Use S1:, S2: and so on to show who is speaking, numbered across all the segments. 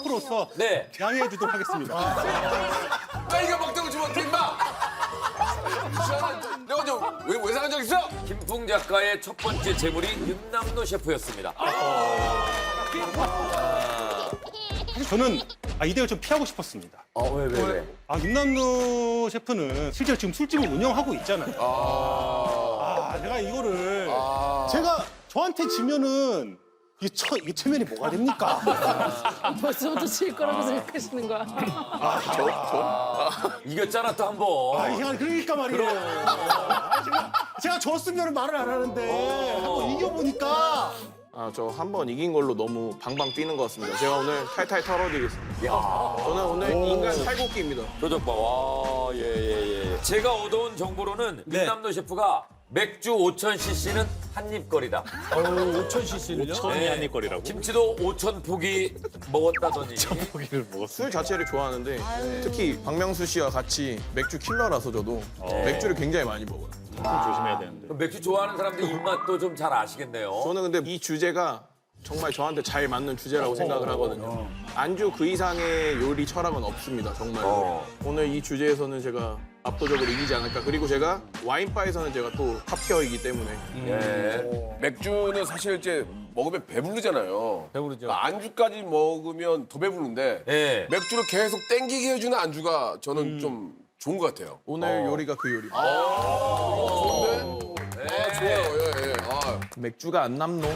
S1: 셰프로서
S2: 네.
S1: 양해해 주도록 하겠습니다.
S3: 까이가 먹던 주면 어떻게 임마? 내가 좀 외상한 적 있어?
S2: 김풍 작가의 첫 번째 재물이 윤남노 셰프였습니다.
S1: 사실 저는 이대를 좀 피하고 싶었습니다.
S2: 왜?
S1: 윤남노 셰프는 실제로 지금 술집을 운영하고 있잖아요. 제가 이거를 제가 저한테 지면은 이게 체면이 뭐가 됩니까?
S4: 벌써부터 질 거라고 생각하시는 거야.
S2: 이겼잖아 또 한 번.
S1: 그러니까 말이에요. 제가 졌으면 말을 안 하는데 한번 이겨보니까
S5: 저 한 번 이긴 걸로 너무 방방 뛰는 것 같습니다. 제가 오늘 탈탈 털어드리겠습니다. 저는 오늘 인간 탈곡기입니다.
S2: 표정 봐. 와, 예. 제가 얻어온 정보로는 윤남노 셰프가 맥주 5,000cc는 한입거리다.
S6: 5,000cc는요? 5,000이
S2: 네.
S6: 한입거리라고?
S2: 김치도 5,000포기 먹었다더니.
S6: 포기를 먹었어.
S5: 술 자체를 좋아하는데 특히 박명수 씨와 같이 맥주 킬러라서 저도 맥주를 굉장히 많이 먹어요.
S6: 조심해야 되는데.
S2: 그럼 맥주 좋아하는 사람들 입맛도 좀 잘 아시겠네요.
S5: 저는 근데 이 주제가 정말 저한테 잘 맞는 주제라고 생각을 하거든요. 안주 그 이상의 요리 철학은 없습니다, 정말. 오늘 이 주제에서는 제가 압도적으로 이기지 않을까. 그리고 제가 와인바에서는 제가 또 탑티어이기 때문에
S2: 예.
S3: 맥주는 사실 이제 먹으면 배부르잖아요.
S6: 배부르죠.
S3: 안주까지 먹으면 더 배부른데
S2: 예.
S3: 맥주를 계속 땡기게 해주는 안주가 저는 좀 좋은 것 같아요.
S5: 오늘 요리가 그 요리입니다.
S3: 좋아요. 예.
S5: 맥주가 안 남노?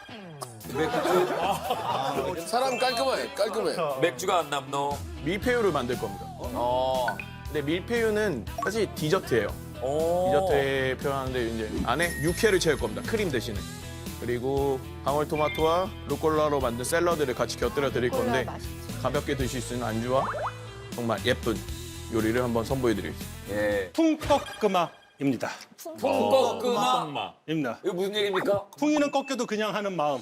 S3: 사람 깔끔해.
S2: 맥주가 안 남노.
S5: 밀푀유를 만들 겁니다. 근데 밀푀유는 사실 디저트예요.
S2: 오.
S5: 디저트에 표현하는데 이제 안에 육회를 채울 겁니다. 크림 대신에. 그리고 방울토마토와 루꼴라로 만든 샐러드를 같이 곁들여 드릴 건데 가볍게 드실 수 있는 안주와 정말 예쁜 요리를 한번 선보여 드리겠습니다.
S2: 예.
S1: 풍꺾음아입니다.
S2: 꺾음아.
S1: 입니다.
S2: 이거 무슨 얘기입니까?
S1: 풍이는 꺾여도 그냥 하는 마음.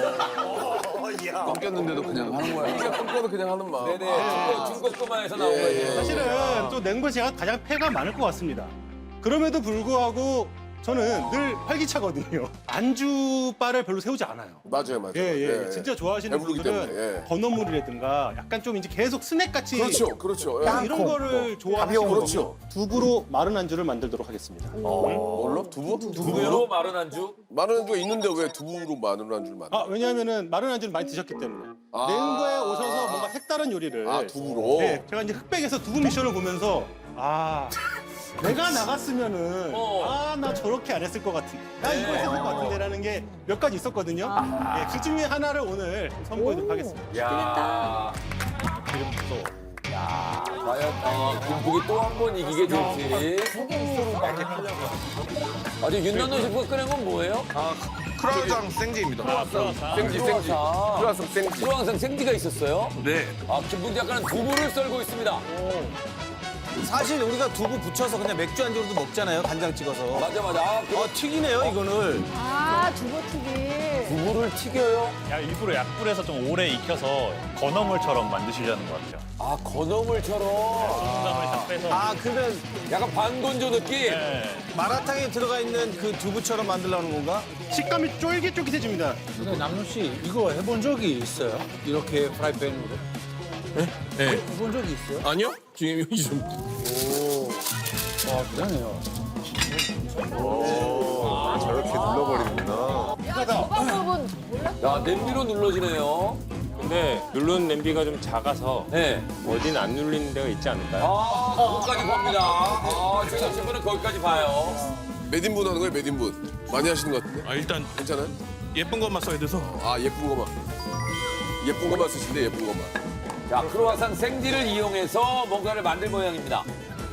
S3: 꺾였는데도 그냥 하는 거야. 이게 꺾여도 그냥 하는 마음.
S2: 네네. 중꺾음아에서 나온 거예요.
S1: 사실은 또 냉부에 제가 가장 패가 많을 것 같습니다. 그럼에도 불구하고 저는 늘 활기차거든요. 안주바를 별로 세우지 않아요.
S3: 맞아요.
S1: 예. 진짜 좋아하시는
S3: 배부르기
S1: 분들은
S3: 때문에, 예.
S1: 건어물이라든가 약간 좀 이제 계속 스낵같이
S3: 그렇죠. 예.
S1: 이런 거를 좋아하시는
S3: 그렇죠.
S1: 거고 두부로 마른 안주를 만들도록 하겠습니다.
S3: 뭘로? 두부?
S2: 두부로 마른 안주?
S3: 마른 안주가 있는데 왜 두부로 마른 안주를 만들어?
S1: 왜냐하면은 마른 안주를 많이 드셨기 때문에 냉부에 오셔서 뭔가 색다른 요리를
S3: 두부로?
S1: 네, 제가 이제 흑백에서 두부 미션을 보면서 내가 나갔으면은 나 저렇게 안 했을 것 같은데 나 이거 했을 것 같은데라는 게 몇 가지 있었거든요. 예, 그 중에 하나를 오늘 선보이도록 하겠습니다.
S2: 야. 과연 김국이 또 한 번 이기게 될지. 아주 윤남노 셰프가 꺼낸 건 뭐예요?
S5: 크루아상 생지입니다.
S3: 생지. 크루아상 생지.
S2: 크루앙상 생지가 있었어요?
S3: 네.
S2: 김풍 작가는 두부를 썰고 있습니다.
S7: 사실 우리가 두부 부쳐서 그냥 맥주 안주로도 먹잖아요. 간장 찍어서.
S2: 맞아.
S7: 튀기네요, 이거를.
S4: 두부튀김.
S2: 두부를 튀겨요?
S6: 일부러 약불에서 좀 오래 익혀서 건어물처럼 만드시려는 것 같아요.
S2: 건어물처럼.
S6: 콩나물 다 빼서.
S7: 그러면
S2: 약간 반건조 느낌?
S6: 네.
S7: 마라탕에 들어가 있는 그 두부처럼 만들려는 건가?
S1: 식감이 쫄깃쫄깃해집니다.
S8: 근데 남순 씨 이거 해본 적이 있어요? 이렇게 프라이팬으로?
S5: 네.
S8: 해본 적이 있어요?
S5: 아니요? 지금 여기 좀.
S8: 와 그러네요.
S4: 덮밥은
S2: 야, 냄비로 눌러지네요.
S6: 근데 누르는 냄비가 좀 작아서
S2: 네.
S6: 어디는 안 눌리는 데가 있지 않을까요?
S2: 거기까지 봅니다. 제가 셰프는 거기까지 봐요.
S3: 몇 인분 하는 거예요, 몇 인분? 많이 하시는 것 같은데?
S5: 일단
S3: 괜찮아요?
S5: 예쁜 것만 써야 돼서.
S3: 예쁜 거만. 예쁜 것만 쓰시는데, 예쁜 것만.
S2: 자, 크루아상 생지를 이용해서 뭔가를 만들 모양입니다.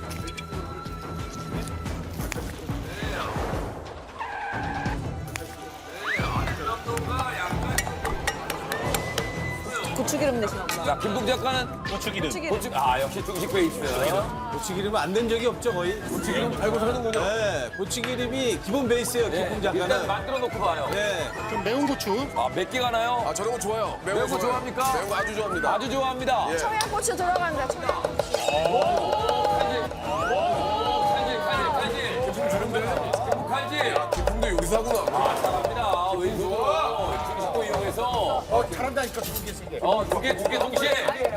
S4: 고추기름 내시나 보다.
S2: 자, 김풍 작가는
S6: 고추기름.
S2: 역시 중식 베이스.
S7: 고추기름은 안 된 적이 없죠, 거의. 고추기름 팔고 사는군요. 네, 고추기름이 기본 베이스예요,
S2: 네,
S7: 김풍
S2: 일단
S7: 작가는.
S2: 만들어 놓고 봐요.
S7: 네.
S1: 좀 매운 고추.
S2: 몇 개 가나요?
S3: 저런 거 좋아요. 매운
S2: 매운 거 좋아합니까?
S3: 매운 거 아주 좋아합니다.
S2: 아주 좋아합니다.
S4: 청양고추 들어간다, 청양.
S2: 칼질. 김풍 주는데? 김풍 칼질.
S3: 기품도 여기서 하구나.
S2: 잘합니다. 왼손으로 중식도 이용해서.
S7: 잘한다니까 두개
S2: 두 개 동시에.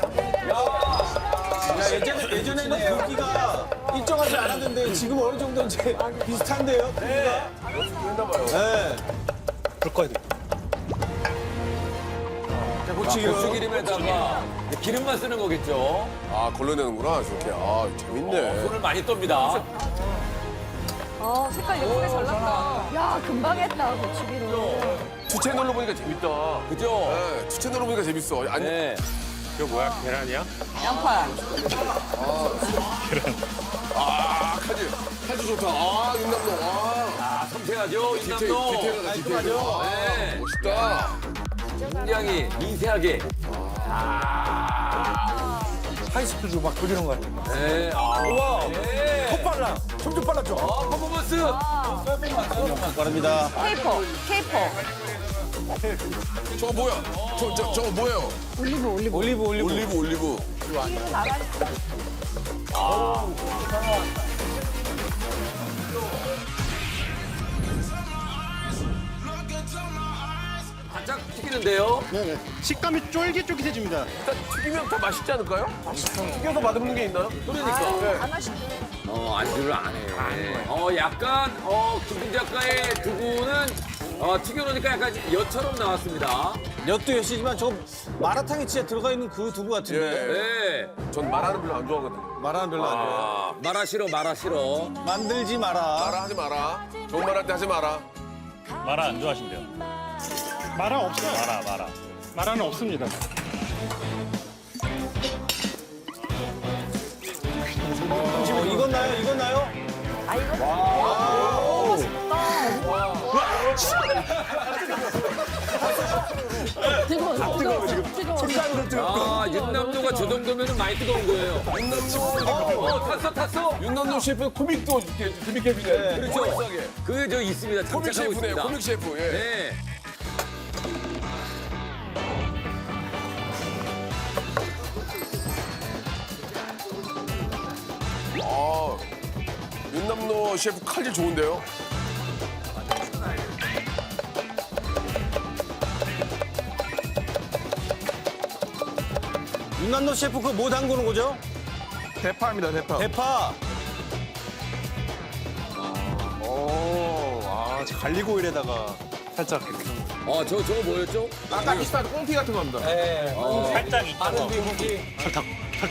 S7: 야, 예전에는 굵기가 일정하지 않았는데 지금 어느 정도 이제 비슷한데요? 네. 네.
S8: 불 꺼야 돼.
S7: 자,
S2: 고추기름에다가 기름만 쓰는 거겠죠.
S3: 아 걸러내는구나 저렇게. 아 재밌네.
S2: 손을 많이 떱니다.
S4: 색깔 예쁘게 잘 났다. 야, 금방 했다, 고추기름.
S3: 투 채널로 보니까 재밌다.
S2: 그죠?
S3: 네, 투 채널로 보니까 재밌어. 아니
S2: 네.
S1: 이거 뭐야? 계란이야?
S4: 양파.
S3: 칼질 좋다. 아 윤남동. 아
S2: 섬세하죠, 인남도.
S3: 디테일하다 디테일하다.
S2: 네.
S3: 멋있다.
S2: 굉장히 미세하게.
S8: 하이스피드로 막 돌리는 거 같아.
S2: 네. 우와. 네.
S8: 속 빨라. 점점 빨라져.
S2: 퍼포먼스.
S7: 바랍니다.
S4: 케이퍼.
S3: 저거 뭐야? 저거 뭐예요? 올리브.
S2: 바짝 튀기는데요.
S1: 네네. 식감이 쫄깃쫄깃해집니다.
S3: 일단 튀기면 더 맛있지 않을까요? 튀겨서 맛없는 게 있나요?
S4: 안 맛있네.
S2: 안주를 안 해. 약간, 김풍 작가의 두부는 튀겨놓으니까 약간 엿처럼 나왔습니다.
S7: 엿도 엿이지만 저거 마라탕에 진짜 들어가 있는 그 두부 같은데.
S2: 네.
S3: 전 마라는 별로 안 좋아하거든요.
S7: 마라는 별로 안 좋아.
S2: 마라 싫어.
S7: 만들지 마라.
S3: 마라 하지 마라. 좋은 말 할 때 하지 마라.
S6: 마라 안 좋아하신대요.
S1: 마라 없어요.
S6: 마라.
S1: 마라는 없습니다.
S7: 이건 나요?
S4: 아, 이거 뜨거워, 뜨거워.
S2: 윤남도가 저 정도면 많이 뜨거운 거예요. 윤남도. 탔어.
S3: 윤남동 셰프 코믹도 재밌게 해주네.
S2: 그렇죠. 그게 저 있습니다.
S3: 코믹
S2: 장착하고
S3: 셰프네요.
S2: 있습니다.
S3: 코믹 셰프. 예.
S2: 네.
S3: 아 윤남도 셰프 칼질 좋은데요?
S7: 윤남도 셰프 그 뭐 담그는 거죠?
S5: 대파입니다, 대파.
S7: 대파.
S8: 저 갈리고일에다가 살짝 이렇게.
S2: 저거 뭐였죠?
S5: 아까 비슷한 꽁피 같은 겁니다.
S6: 살짝 익혀서.
S1: 설탕.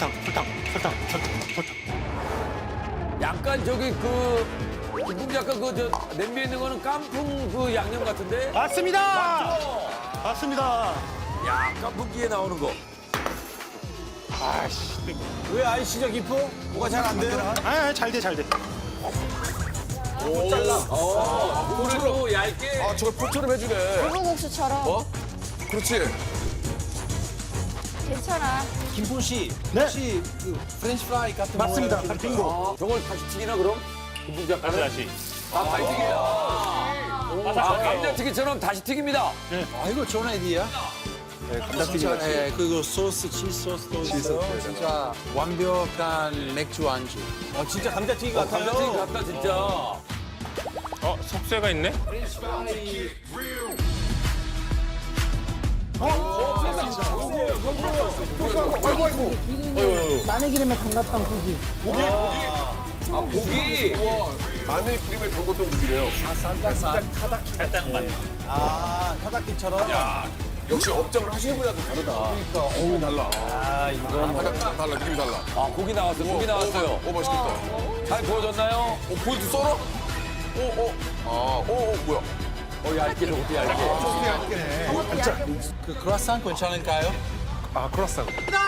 S2: 약간 저기 김풍 작가 냄비에 있는 거는 깐풍 그 양념 같은데?
S1: 맞습니다. 맞습니다.
S2: 야, 깐풍기에 나오는 거.
S7: 왜 아이시죠, 기프? 뭐가 잘 안 돼요?
S1: 잘 돼.
S2: 오늘도 얇게.
S3: 아 저걸 포처럼 해주네.
S4: 불고국수처럼.
S3: 그렇지.
S4: 괜찮아.
S7: 김포 씨,
S1: 네.
S7: 혹시 그 프렌치 프라이 같은
S1: 맞습니다.
S7: 거
S1: 빙고.
S2: 저걸 다시 튀기나 그럼? 김풍 작가는?
S6: 다시.
S2: 다시 튀겨요. 감자튀김처럼 다시 튀깁니다.
S7: 아, 이거 좋은 아이디어야.
S8: 감자튀김 같이.
S7: 네, 그리고 소스, 치즈 소스도 있어요.
S9: 진짜 완벽한 맥주 안주.
S7: 진짜 감자튀김 같아요.
S2: 감자튀김 같다 진짜.
S6: 속쇠가 있네?
S4: 마늘기름에 담갔던 고기.
S2: 고기.
S3: 마늘 크림에 담궜던 국이래요.
S6: 살짝만.
S7: 아, 타닥기처럼.
S3: 역시 업장을 하시는 분이랑 다르다. 그러니까 어우 달라. 달라 느낌이 달라.
S2: 고기 나왔어요. 고기 나왔어요.
S3: 오 맛있겠다.
S2: 잘 구워졌나요?
S3: 보여도 썰어? 뭐야?
S2: 얇게 저것도 얇게.
S9: 그 크로아상 괜찮을까요?
S8: 크로아상.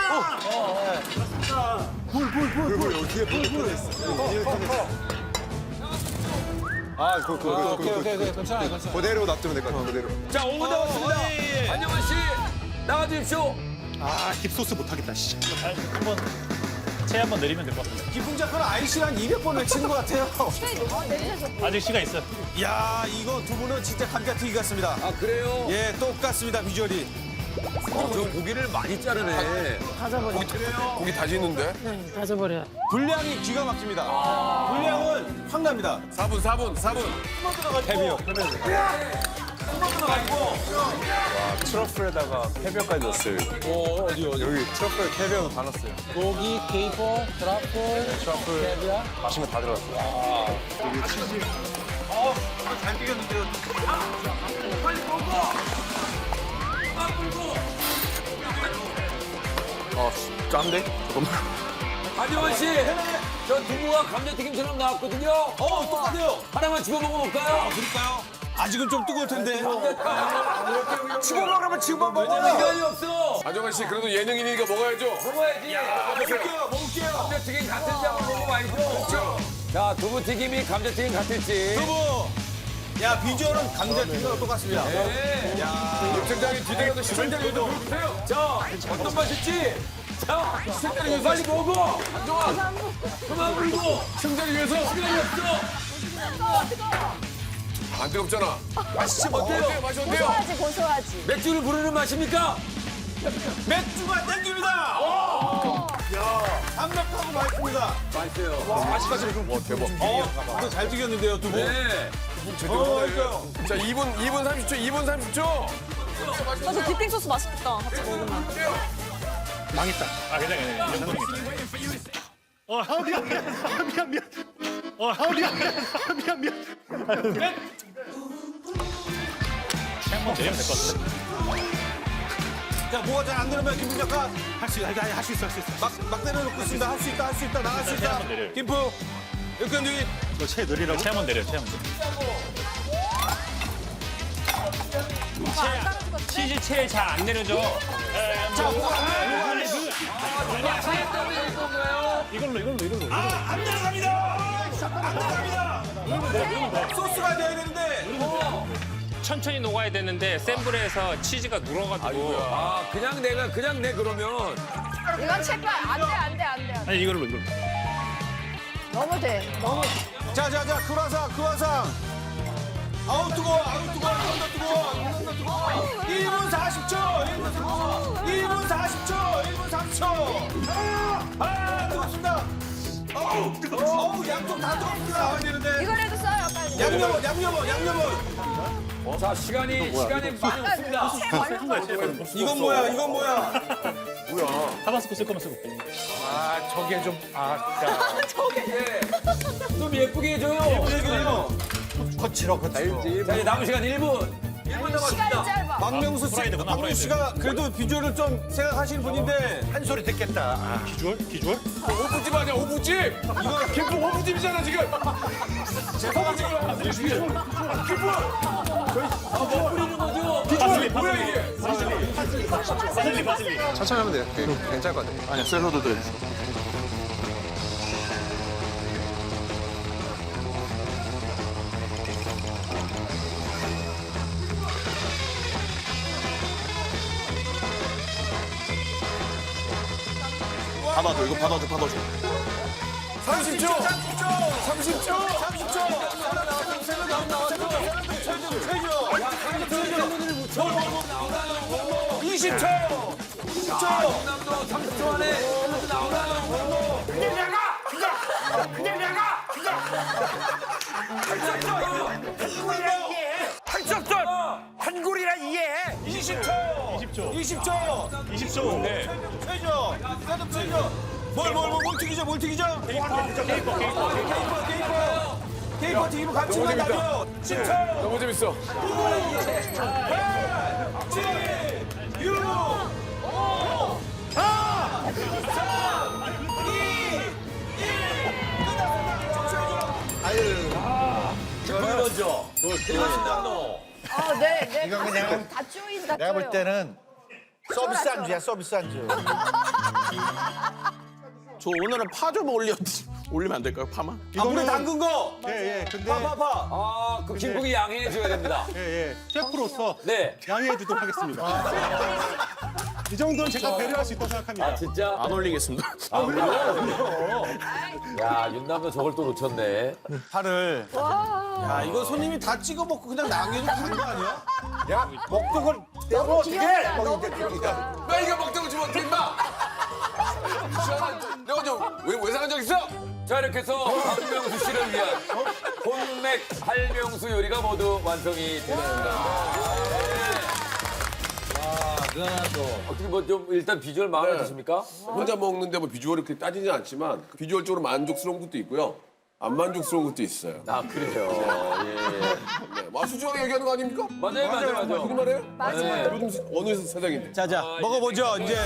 S7: 오케이, 괜찮아요.
S8: 그대로 놔두면 될 것 같아, 그대로.
S2: 자, 5분 남았습니다. 안녕원 씨, 나와주십시오.
S1: 딥소스 못하겠다. 씨.
S6: 한번 채 한번 내리면 될 것 같은데.
S7: 기풍 작가는 아이씨를 한 200번 외치는 것 같아요.
S6: 아직 시간 있어.
S7: 야, 이거 두 분은 진짜 감자튀김 같습니다.
S2: 아, 그래요?
S7: 예, 똑같습니다, 비주얼이.
S2: 저 고기를 많이 자르네.
S3: 고기 다지는데?
S7: 분량이 기가 막힙니다. 분량은 확 납니다.
S3: 4분.
S7: 헤비요.
S3: 트러플에다가 캐비어까지 넣었어요.
S7: 어디
S3: 여기 트러플 캐비어 다 넣었어요.
S9: 고기, 케이퍼, 트러플,
S3: 트러플
S9: 캐비아.
S3: 맛있는 거 다 들어갔어요.
S5: 짠데? 잠깐만.
S2: 한지원 씨, 저 두부가 감자튀김처럼 나왔거든요.
S7: 똑같아요.
S2: 하나만 집어 먹어볼까요?
S7: 그럴까요? 아직은 좀 뜨거울 텐데.
S3: 지금 먹으면 지금 먹어.
S2: 시간이 없어.
S3: 아정환 씨 그래도 예능이니까 먹어야죠.
S2: 먹어야지.
S7: 먹을게요.
S2: 감자튀김 같은지 한번 먹어봐야죠. 자, 두부튀김이 감자튀김 같을지.
S7: 두부. 야, 비주얼은 감자튀김과 똑같습니다.
S3: 팀장이 뒤들어도 시청자들도 보세요.
S2: 자, 어떤 맛일지. 자, 시청자를 빨리 먹어. 한정아, 그만 불고.
S3: 시청자를 위해서
S2: 시간이 없어.
S3: 안 뜨겁잖아. 맛있지 어때요? 맛이 어때요?
S4: 고소하지, 고소하지.
S2: 맥주를 부르는 맛입니까?
S7: 맥주가 땡깁니다. 담백하고 맛있습니다.
S3: 와 대박.
S7: 이거 잘 튀겼는데요, 두부.
S2: 네.
S7: 그러니까요.
S3: 자 2분 30초. 2분 30초.
S4: 저 디핑 소스 맛있겠다. 같이 먹으면.
S6: 망했다. 아, 괜찮아. 미안. 한번 내리면 될 것 같아.
S7: 자, 뭐가 잘 안 되면 김부 작가
S1: 할 수 있어.
S7: 막 내려놓고 있습니다. 할 수 있다. 나갈 수 있다.
S6: 한번 내려요.
S7: 김부. 육견주의.
S1: 이거 채 느리라고?
S6: 체험은 내려요, 체험은.
S4: 치즈
S6: 채 잘 안 내려져. 이걸로.
S7: 안 내려갑니다. 소스가 돼야 되는데.
S10: 천천히 녹아야 되는데 센 불에서 치즈가 눌어가지고
S2: 아, 그냥 내 그러면.
S4: 이건 체크 안 돼.
S6: 아니, 이걸로.
S4: 너무 돼. 너무.
S7: 자, 크루아상. 아우 뜨거워. 이건 더 뜨거워. 1분 40초. 1분 40초. 아, 뜨겁습니다. 어우, 양쪽 다 뜨겁습니다. 나와야 되는데.
S4: 이거라도 써요, 빨리.
S7: 양념은.
S2: 자, 시간이 많이 없습니다.
S7: 이건 뭐야?
S6: 타바스코 쓸 거면 쓰고.
S9: 저게 좀 아까.
S2: 좀 예쁘게 해줘요.
S7: 거칠어.
S2: 자, 이제 남은 시간 1분. 1분
S4: 시간이
S2: 남았습니다.
S4: 짧아.
S7: 박명수 씨가 그래도 비주얼을 좀 생각하시는 분인데
S1: 한 소리 듣겠다.
S6: 기주얼?
S3: 오부집 아니야 오부집. 이거 김포 오부집이잖아 지금.
S2: 뭐 뿌리는 거죠?
S3: 비주얼이 뭐야 이게?
S6: 바질리.
S3: 천천히 하면 돼요. 괜찮을 것 같아요.
S5: 아니야, 샐러드도 해주세요. 받아줘, 이거 받아줘.
S3: 30초.
S7: 20초.
S2: 남도 30초 안에 샐러드 나오나요?
S7: 한골이라 이해해. 20초. 최저. 뭘 튀기죠? 케이퍼 튀기면 감칠맛 나죠. 10초.
S3: 너무 재밌어.
S7: 7, 6, 5, 4, 3, 2, 1.
S2: 이거는 먼저. 남도.
S4: 네.
S8: 이거 그냥
S4: 다 쪼인다.
S8: 내가 볼
S4: 쪼여.
S8: 때는 서비스 안주야, 서비스 안주.
S5: 저 오늘은 파 좀 올리면 안 될까요? 파만?
S7: 물에 담근 거.
S1: 예. 근데
S7: 파.
S2: 아, 그 김국이 양해해줘야 됩니다.
S1: 예. 셰프로서
S2: 네.
S1: 양해해 주도록 하겠습니다. 이 정도는 제가 배려할 수 있다고 생각합니다.
S2: 아, 진짜?
S5: 안 올리겠습니다.
S2: 야, 윤남도 저걸 또 놓쳤네.
S7: 파를. 야, 이거 손님이 다 찍어 먹고 그냥 남겨도 되는 거 아니야? 야, 먹던 걸
S4: 너무 귀엽다. 너무 귀엽다.
S3: 나 이거 먹자고 주면 어떻게 임마? 내가 왜 상한 적 있어?
S2: 자, 이렇게 해서 박명수 씨를 위한 혼맥 할명수 요리가 모두 완성이 되었습니다. 어떻게 뭐 좀 일단 비주얼 마음에 드십니까?
S3: 혼자 먹는데 뭐 비주얼이 그렇게 따지진 않지만 비주얼적으로 만족스러운 것도 있고요. 안 만족스러운 것도 있어요.
S2: 아 그래요. 예.
S3: 뭐 수중하게 얘기하는 거 아닙니까?
S2: 맞아요.
S3: 무슨 말이에요?
S4: 맞아요.
S3: 요즘 어느 세상인데.
S7: 자자 먹어보죠 이제.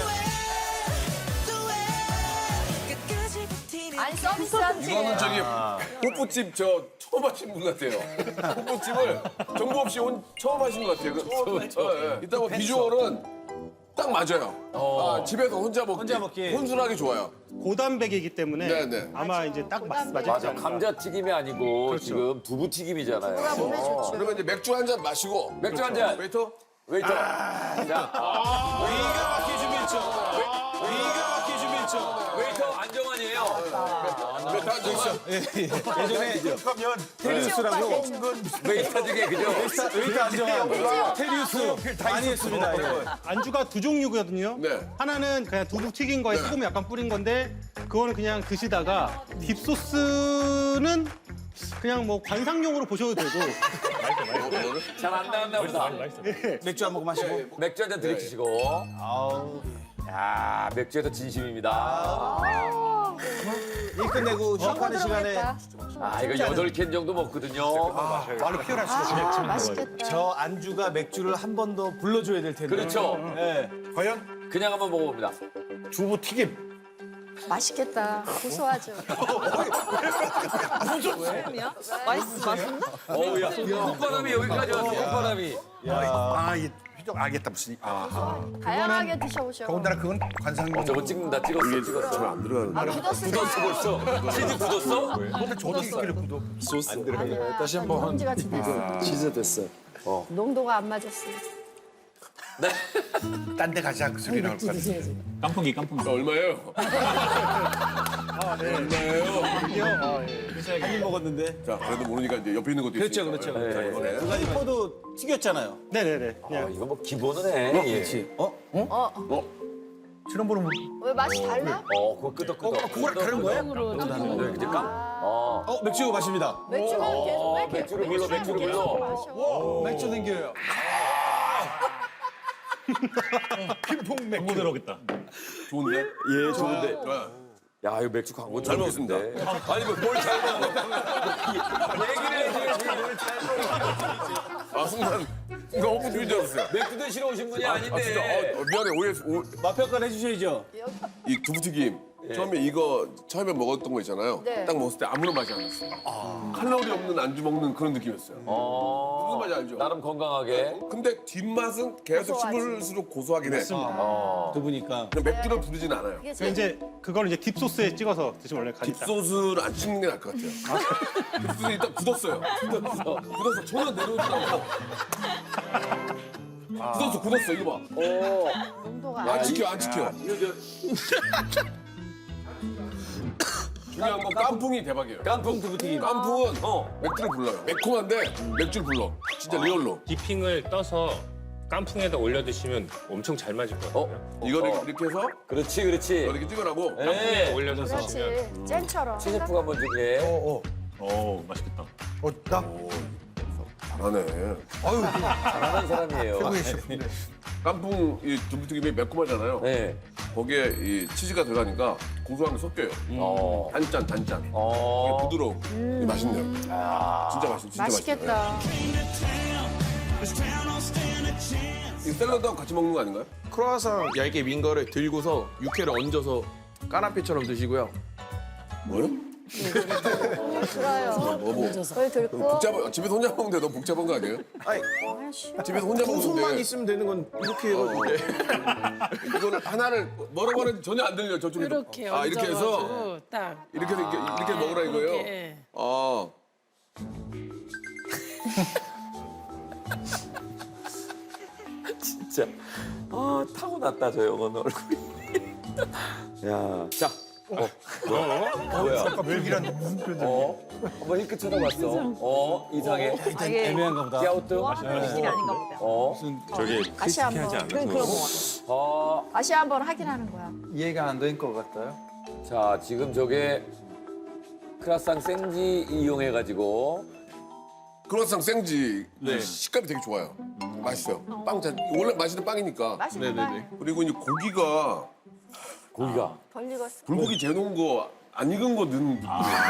S4: 아니 서비스한
S3: 이거는 저기 호프집 저 처음 하신 분 같아요. 호프집을 정보 없이 처음 하신 것 같아요. 일단 뭐 비주얼은 딱 맞아요. 집에서 혼자 먹기 혼술하기 좋아요.
S1: 고단백이기 때문에
S3: 네네.
S1: 아마 이제 딱 맞지
S2: 맞아.
S1: 않을까.
S2: 감자튀김이 아니고 지금 두부튀김이잖아요.
S4: 누가 몸에 좋죠.
S3: 그러면 이제 맥주 한 잔 마시고
S2: 맥주 한 잔.
S3: 웨이터
S2: 웨이터. 자,
S7: 기가 막히게 준비했죠. 기가 막히게 준비했죠.
S2: 웨이터 안정환이에요.
S7: 예전에 하면 테리우스라고
S2: 웨이터 중에 그죠?
S7: 웨이터 안정하고 테리우스 많이 했습니다. 예.
S1: 안주가 두 종류거든요.
S3: 네.
S1: 하나는 그냥 두부 튀긴 거에 소금 약간 뿌린 건데 그거는 그냥 드시다가 딥소스는 그냥 뭐 관상용으로 보셔도 되고
S2: 잘 안 나왔나 보다.
S7: 맥주 한 모금 마시고.
S2: 맥주 한 잔 들이키시고. 야, 맥주에서 진심입니다.
S7: 일 끝내고 휴식하는 시간에
S2: 아, 이거 8캔 정도 먹거든요.
S7: 말로 표현할 수가 없어요.
S4: 맛있겠다.
S7: 저 안주가 맥주를 한 번 더 불러줘야 될 텐데.
S2: 그렇죠.
S7: 예.
S2: 그냥 한번 먹어봅니다.
S7: 두부 튀김.
S4: 맛있겠다. 고소하죠.
S11: 그럼요? 맛있나?
S2: 어우, 야, 콧바람이 여기까지 왔어, 콧바람이.
S8: 이게 휘적 알겠다 무슨.
S4: 다양하게 드셔보셔.
S8: 그건 관상용.
S2: 저거 찍는다, 찍었어.
S3: 잘안 들어가는.
S4: 아, 굳었을
S2: 굳었어, 벌써. 치즈 굳었어?
S8: 근데 저도 있길래 구독.
S4: 아니야. 다시 한번 먼지 같이 됐어.
S7: 치즈 됐어.
S4: 농도가 안 맞았어.
S8: 딴데 가지 않고 소리 나올 것 같아.
S6: 깐풍기.
S3: 얼마예요? 얼마예요?
S7: 한 입 먹었는데.
S3: 자, 그래도 모르니까 이제 옆에 있는 것도
S7: 그렇죠,
S3: 있으니까.
S7: 그렇죠.
S3: 자, 이번에.
S7: 그 가지 포도 튀겼잖아요.
S1: 네네네.
S2: 아,
S1: 그냥
S2: 이거 뭐 기본은 해. 예.
S7: 그렇지.
S8: 지난 번은
S4: 왜 맛이 달라?
S2: 그거 끄덕끄덕.
S8: 그거랑 다른 거예요?
S2: 네, 이제
S7: 맥주 마십니다.
S4: 맥주는 계속 왜 이렇게
S2: 맥주를 불러, 맥주를 불러.
S4: 마셔?
S7: 맥주 생겨요.
S8: 핑퐁 맥주.
S6: 너무 들어오겠다.
S3: 좋은데?
S7: 예, 좋은데.
S3: 좋아요.
S2: 야, 이거 맥주 광고
S3: 잘 먹었습니다.
S2: 아니, 뭘잘 먹어. 얘기를 해줘야지.
S3: 순간 호프집인 줄 알았어요.
S2: 맥주 드시러 오신 분이 아닌데.
S3: 진짜 미안해 오해했어.
S7: 맛평가를 해주셔야죠.
S3: 이 두부튀김 처음에 이거 처음에 먹었던 거 있잖아요.
S4: 네.
S3: 딱 먹었을 때 아무런 맛이 안 났어요. 칼로리 없는 안주 먹는 그런 느낌이었어요. 무슨 맛이 알죠?
S2: 나름 건강하게.
S3: 근데 뒷맛은 계속
S4: 고소하지.
S3: 씹을수록 고소하긴 해.
S7: 두부니까.
S3: 그냥 맥주를 부르진 않아요.
S4: 이게
S1: 그래서 이제 그걸 이제 딥소스에 찍어서 드시면 원래 가니까.
S3: 딥소스를 안 찍는 게 나을 것 같아요. 딥소스 일단 굳었어요. 굳어서 전혀 내려오지 않고. 굳었어 이거 봐.
S4: 농도가
S3: 안 지켜 안 지켜. 중요한 건 깐풍이 대박이에요.
S2: 깐풍 두부튀김.
S3: 깐풍은 맥주를 불러요. 매콤한데 맥주를 불러. 진짜 리얼로.
S10: 디핑을 떠서 깐풍에다 올려 드시면 엄청 잘 맞을 것 같아요.
S3: 이거를 이렇게 해서
S2: 그렇지, 그렇지.
S3: 이렇게 찍으라고.
S10: 깐풍에 올려서 드시면
S4: 그렇지. 잼처럼.
S2: 치즈프가 한번 주게.
S6: 오, 맛있겠다.
S8: 나
S3: 잘하네.
S2: 잘하는 사람이에요.
S3: 깐풍 이 두부튀김이 매콤하잖아요.
S2: 네.
S3: 거기에 이 치즈가 들어가니까 고소한 게 섞여요. 단짠. 이게 부드러워. 이게 맛있네요. 진짜 맛있어. 진짜
S4: 맛있겠다.
S3: 이 샐러드하고 같이 먹는 거 아닌가요?
S5: 크로와상 얇게 민 거를 들고서 육회를 얹어서 까나페처럼 드시고요.
S3: 뭐요?
S4: 들어요.
S3: 뭐.
S4: 그걸 들고.
S3: 복잡한 집에서 혼자 먹는데 너무 복잡한 거 아니에요?
S5: 아니,
S3: 집에서 혼자
S5: 손만
S3: 먹는데
S5: 있으면 되는 건 이렇게 해가지고.
S3: 이거는 하나를 뭐라고 하는지 전혀 안 들려요. 저쪽에.
S11: 이렇게
S3: 이렇게 해서
S11: 얹어가지고 딱.
S3: 이렇게 해서 이렇게 먹으라 이거예요.
S11: 이렇게.
S2: 진짜. 타고났다, 저 영어는 얼굴이. 야, 자. 뭐야?
S8: 멸기란 무슨 표정?
S2: 한번 힐끗 쳐다봤어. 이상해.
S11: 이게
S7: 애매한가 보다.
S2: 깨우트.
S11: 일이 아닌가 보다.
S6: 저기
S4: 다시 한번. 다시 한번 확인하는 거야.
S7: 이해가 안 된 것 같아요.
S2: 자, 지금 저게 크라상 생지 이용해가지고
S3: 크로아상 생지 식감이 되게 좋아요. 맛있어요. 빵 원래 맛있는 빵이니까.
S5: 네네네.
S3: 그리고 이제 고기가
S4: 덜 익었어.
S3: 불고기 재놓은 거 안 익은 거 넣는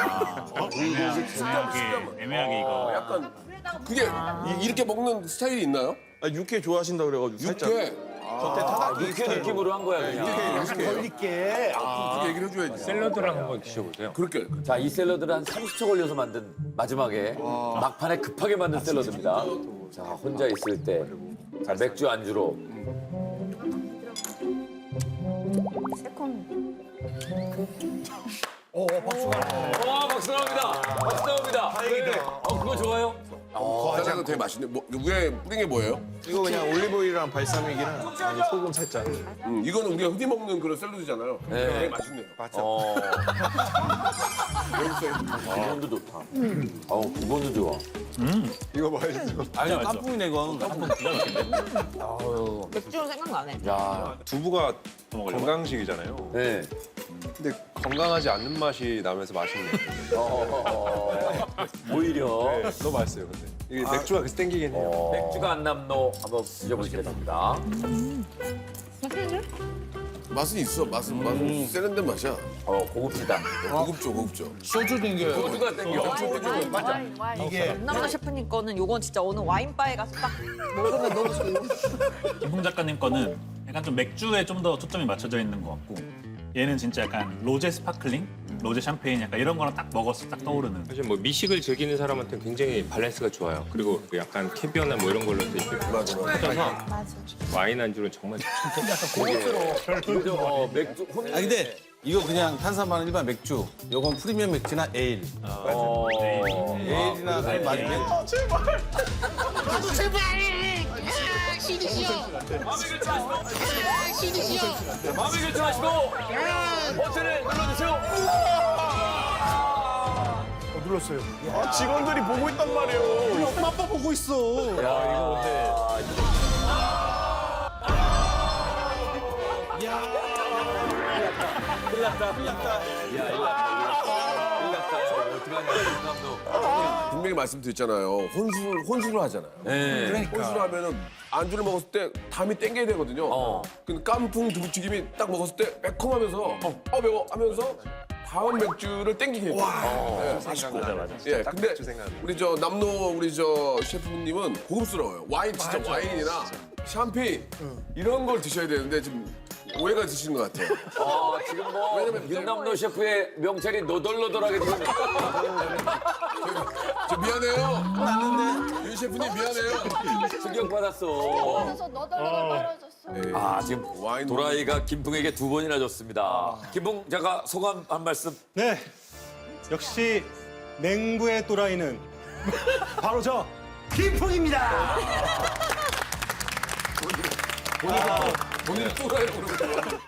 S6: 애매하게 이거.
S3: 약간 그게 이렇게 먹는 스타일이 있나요?
S5: 아, 육회 좋아하신다 그래가지고 살짝
S3: 육회
S5: 겉에 타다기
S2: 육회 느낌으로 한 거야 그냥.
S1: 걸릴게.
S3: 그렇게 얘기를 해줘야지.
S10: 샐러드랑 한번 드셔보세요.
S3: 그렇게
S2: 자, 이 샐러드는 한 30초 걸려서 만든 마지막에 막판에 급하게 만든 샐러드입니다. 자, 혼자 있을 때 자, 맥주 안주로
S4: 새콤.
S2: 와, 박수 나옵니다. 박수 나옵니다. 다행이다. 그거 좋아요?
S3: 과자도 되게 맛있네. 위에 뿌린 게 뭐예요?
S5: 이거 그냥 올리브오일이랑 발사믹이랑 아니, 소금 살짝.
S3: 이거는 우리가 흔히 먹는 그런 샐러드잖아요. 되게 맛있네요.
S2: 기본도 좋다. 기본도 좋아.
S7: 아니 깐풍이네 이건.
S11: 맥주는 생각나네.
S2: 야,
S10: 두부가 건강식이잖아요.
S2: 네.
S10: 근데 건강하지 않는 맛이 나면서 맛있네요.
S2: 오히려
S10: 너무 맛있어요, 근데. 이게 맥주가 그래서 땡기긴 해요.
S2: 맥주가 안 남노 한번 드셔보시겠습니다.
S3: 맛은 있어. 맛은 세련된 맛이야.
S2: 고급지다.
S3: 고급죠.
S8: 소주 땡겨요.
S2: 소주가 땡겨.
S4: 와인.
S1: 이게
S11: 남자 셰프님 거는 요건 진짜 어느 와인바에 가서 딱 먹으면 너무 좋고.
S6: 김풍 작가님 거는 약간 좀 맥주에 좀 더 초점이 맞춰져 있는 것 같고 얘는 진짜 약간 로제 스파클링, 로제 샴페인 약간 이런 거랑 딱 먹었을 때 딱 떠오르는.
S10: 사실 뭐 미식을 즐기는 사람한테는 굉장히 밸런스가 좋아요. 그리고 약간 캐비어나 뭐 이런 걸로 이렇게 퍼져서 와인 안주는 정말
S2: 그죠? 맥주
S7: 아 근데 이거 그냥 탄산만 일반 맥주. 요건 프리미엄 맥주나 에일. 에일이나 그런 맛이면
S2: 마음에 결정하시고 버튼을 눌러주세요.
S5: 직원들이 보고 있단 말이에요.
S1: 우리 엄마 아빠 보고 있어.
S3: 분명히 말씀드렸잖아요. 혼술을 하잖아요.
S2: 네.
S3: 혼술을 하면은 안주를 먹었을 때 담이 땡겨야 되거든요. 근데 깐풍 두부튀김이 딱 먹었을 때 매콤하면서 매워 하면서 다음 맥주를 땡기게 해요. 네, 맛있고. 예, 근데 우리 저 남노 우리 저 셰프님은 고급스러워요. 와인 진짜 와인이나 샴페인 이런 걸 드셔야 되는데 지금 오해가 드시는 것 같아요.
S2: 지금 뭐 윤남노 셰프의 명찰이 노덜노덜하게 지금
S3: 저 미안해요. 윤 셰프님 미안해요.
S2: 충격받았어.
S4: 그래서 너덜너덜 떨어졌어.
S2: 지금
S3: 와인
S2: 도라이가 김풍에게 2번이나 줬습니다. 김풍 작가 소감 한 말씀.
S1: 네. 역시 맹구의 또라이는 바로 저 김풍입니다.
S3: 본인 또라이 부르고